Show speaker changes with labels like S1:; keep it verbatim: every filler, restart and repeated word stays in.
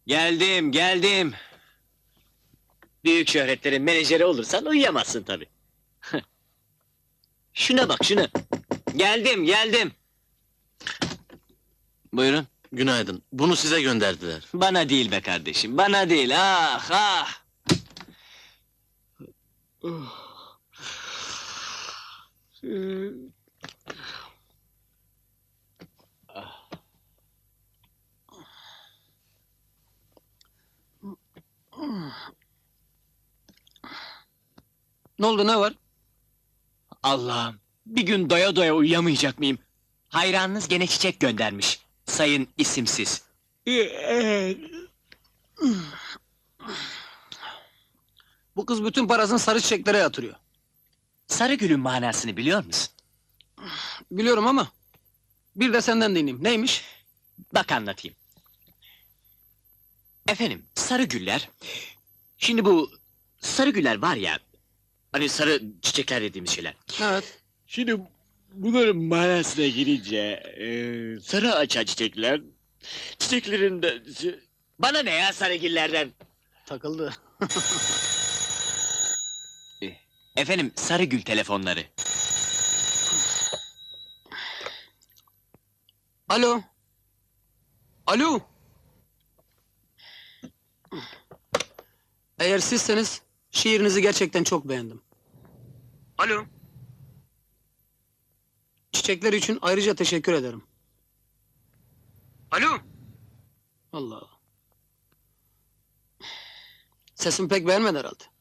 S1: Geldim, geldim. Büyük şöhretlerin menajeri olursan uyuyamazsın tabii. Şuna bak, şuna. Geldim, geldim. Buyurun.
S2: Günaydın. Bunu size gönderdiler.
S1: Bana değil be kardeşim, bana değil. Ah, ah!
S3: Ne oldu, ne var?
S1: Allah'ım, bir gün doya doya uyuyamayacak mıyım? Hayranınız gene çiçek göndermiş. Sayın isimsiz.
S3: Bu kız bütün parasını sarı çiçeklere yatırıyor.
S1: Sarıgül'ün manasını biliyor musun?
S3: Biliyorum ama... Bir de senden dinleyeyim. Neymiş?
S1: Bak anlatayım. Efendim, sarı güller... Şimdi bu sarı güller var ya... Hani sarı çiçekler dediğimiz şeyler.
S3: Evet.
S1: Şimdi bunların manasına girince... eee, sarı açan çiçekler... Çiçeklerin de... Bana ne ya sarı güllerden?
S3: Takıldı.
S1: Efendim, sarı gül telefonları.
S3: Alo. Alo. Eğer sizseniz... Şiirinizi gerçekten çok beğendim. Alo. Çiçekler için ayrıca teşekkür ederim. Alo. Allah Allah. Sesimi pek beğenmedi herhalde.